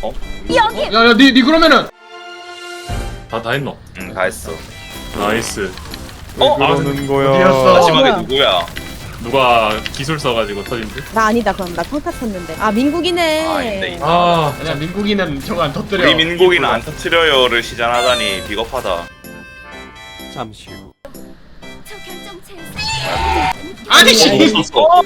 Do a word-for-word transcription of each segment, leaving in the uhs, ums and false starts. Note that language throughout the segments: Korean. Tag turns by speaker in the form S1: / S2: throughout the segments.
S1: 어?
S2: 여기.
S3: 야야 니, 니 그러면은
S4: 다, 다 했노?
S1: 응, 다 했어.
S4: 나이스.
S1: 어?
S5: 그러는 거야.
S3: 어디였어?
S1: 마지막에
S2: 뭐야?
S1: 누구야?
S4: 누가 기술 써가지고 터진 듯?
S2: 나 아니다. 그럼 나 평타 쳤는데. 아 민국이네.
S1: 아, 있네.
S4: 아,
S3: 아니야 민국이는 저거 안 터뜨려.
S1: 우리 민국이는 안 터트려요를 시전하다니 비겁하다.
S5: 잠시 후.
S2: 저 결정체.
S3: 아니 씨.
S1: 어?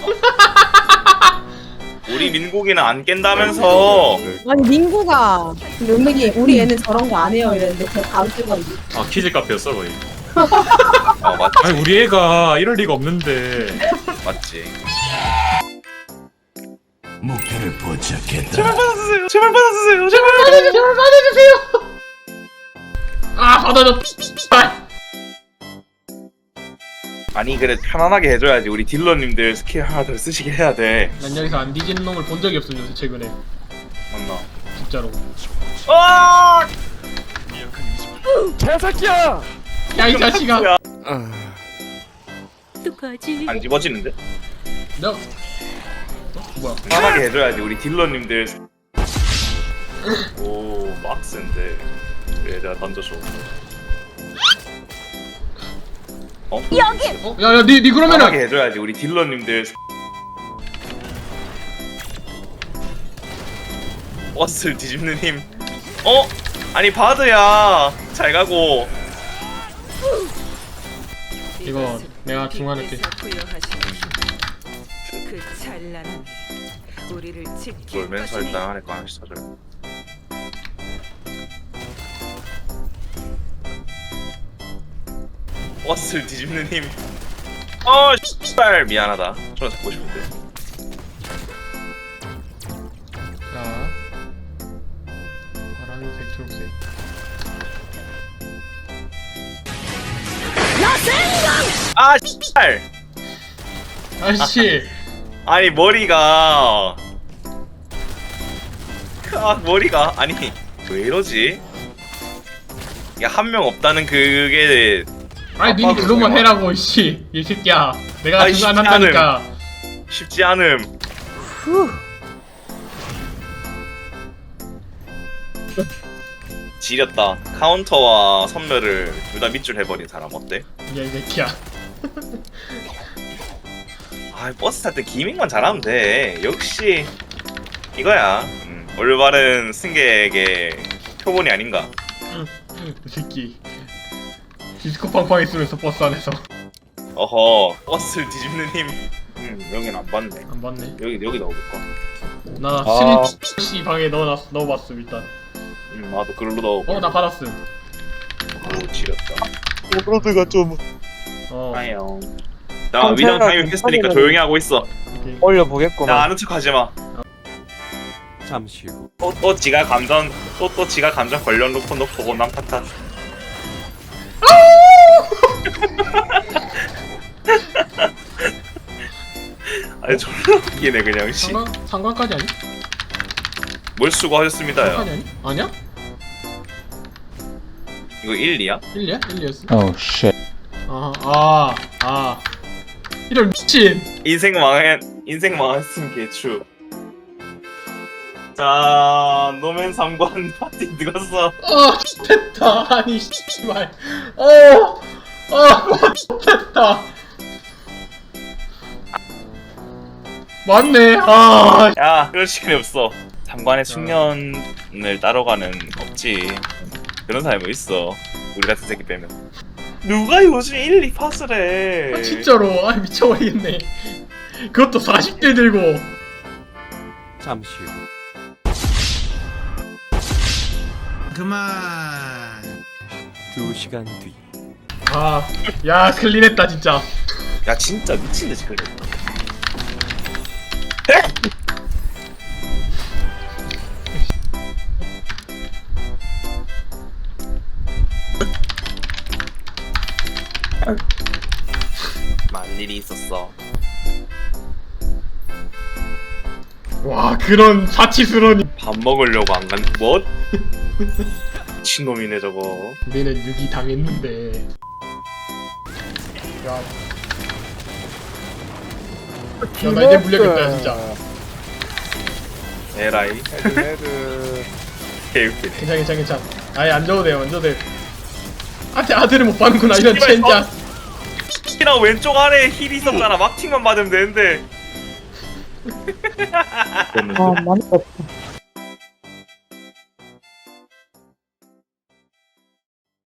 S1: 우리 민국이는 안 깬다면서.
S2: 아니 민국아. 은근히 우리 애는 저런 거 안 해요 이랬는데 저 다음 주가
S4: 아 키즈 카페였어 거의.
S1: 어, 맞지.
S4: 아니 우리 애가 이럴 리가 없는데.
S1: 맞지.
S6: 목표를 포착했다.
S1: 제발 받아주세요. 제발 받아주세요. 제발.
S3: 제발 받아주세요. 아 받아줘. 아.
S1: 아니 그래 편안하게 해줘야지. 우리 딜러님들 스킬 하나 더 쓰시게 해야 돼.
S3: 난 여기서 안 뒤지는 놈을 본 적이 없어 요새 최근에.
S1: 맞나?
S3: 진짜로.
S1: 아!
S5: 개새끼야.
S3: 야 이 자식아.
S1: 야,
S2: 어떡하지?
S1: 안 집어지는데?
S3: 너. 어? 뭐야?
S1: 편안하게 해줘야지. 우리 딜러님들. 오 막스인데. 그래 내가 던져줘. 어?
S2: 여기.
S3: 어? 야야 니, 니
S1: 편하게
S3: 그러면은.
S1: 해줘야지. 우리 딜러님들. 버스를 뒤집는 힘. 어? 아니 바드야. 잘 가고.
S3: 이거 내가 중간에 게.
S7: 그 찬란함이 우리를 지킬
S1: 놀면서
S7: 것이니.
S1: 일단 안에 거 하나씩 사줘요. 버스를 뒤집는 힘. 어, 씨발 미안하다. 저는 잡고 싶은데.
S3: 자. 파란색, 초록색.
S1: 아, 씨발.
S3: 아씨.
S1: 아니 머리가. 아 머리가 아니 왜 이러지? 야 한 명 없다는 그게
S3: 아니 니
S1: 아빠도
S3: 그것만
S1: 정말-
S3: 해라고 씨. 이 새끼야. 내가
S1: 아이,
S3: 중간
S1: 쉽지
S3: 한다니까.
S1: 쉽지 않음.
S2: 후.
S1: 지렸다. 카운터와 선멸을 둘 다 밑줄 해버린 사람 어때?
S3: 야 이 새끼야.
S1: 아 버스 탈 때 기믹만 잘하면 돼. 역시 이거야. 음, 올바른 승객의 표본이 아닌가.
S3: 이 새끼. 디스코 팡팡 있으면서 버스 안에서.
S1: 어허 버스를 뒤집는 힘. 음 여긴 안 봤네.
S3: 안 봤네.
S1: 여기 여기 넣어볼까?
S3: 나
S5: 아.
S3: 스리 씨 방에 넣어놨 넣어봤음 일단.
S1: 음 나도 글로 넣어.
S3: 어 나 받았음.
S1: 오 지렸다.
S5: 오브로드가 좀
S3: 어.
S1: 하영. 자 위장 타임 했으니까 조용히 하고 있어.
S3: 오케이.
S5: 올려
S1: 야
S5: 보겠구만.
S1: 아는 척하지 마.
S5: 잠시 후.
S1: 또 또 지가 감정 또 또 지가 감정 걸려놓고 놓고 남 탓한. 아니 졸라 웃기네 그냥 씨.
S3: 상관 상관까지 아니?
S1: 뭘 수고하셨습니다요.
S3: 상관이 아니? 아니야?
S1: 이거 일, 이야?
S3: 일이야? 일이었어.
S6: Oh shit.
S3: 아, 아, 아. 이런 미친.
S1: 인생 망한 인생 망했음 개추. 자 노맨 삼관 파티 누갔어.
S3: 어, 됐다. 아니, 씨발. 어, 어, 됐다. 맞네. 아,
S1: 야 그럴 시간이 없어. 삼관의 숙련을 따라가는 없지. 그런 사람이 있어. 우리 같은 새끼 빼면. 누가 요즘 일, 이 팟을 해.
S3: 아, 진짜로. 아, 미쳐버리겠네. 그것도 사십 대 들고.
S5: 잠시 후.
S6: 그만.
S5: 두 시간 뒤.
S3: 아, 야, 클린했다, 진짜.
S1: 야 진짜 미친듯이 그래. 많은 일이 있었어.
S3: 와, 그런 사치스러운.
S1: 밥 먹으려고 안 간. 뭐? 미친놈이네 저거.
S3: 우리는 유기 당했는데. 야. 야, 나 이제 물려겠다, 진짜.
S1: 에라이.
S5: 헤드 헤드.
S1: 개웃기네.
S3: 괜찮 괜찮 괜찮. 아예 안 줘도 돼요 안 줘도 돼. 아대 아들을 못 받는구나 이런
S1: 씨발,
S3: 젠장.
S1: 특히나 왼쪽 아래에 힐이 있었잖아. 막팅만 받으면 되는데.
S4: 됐는데.
S2: 아, 많이 없다.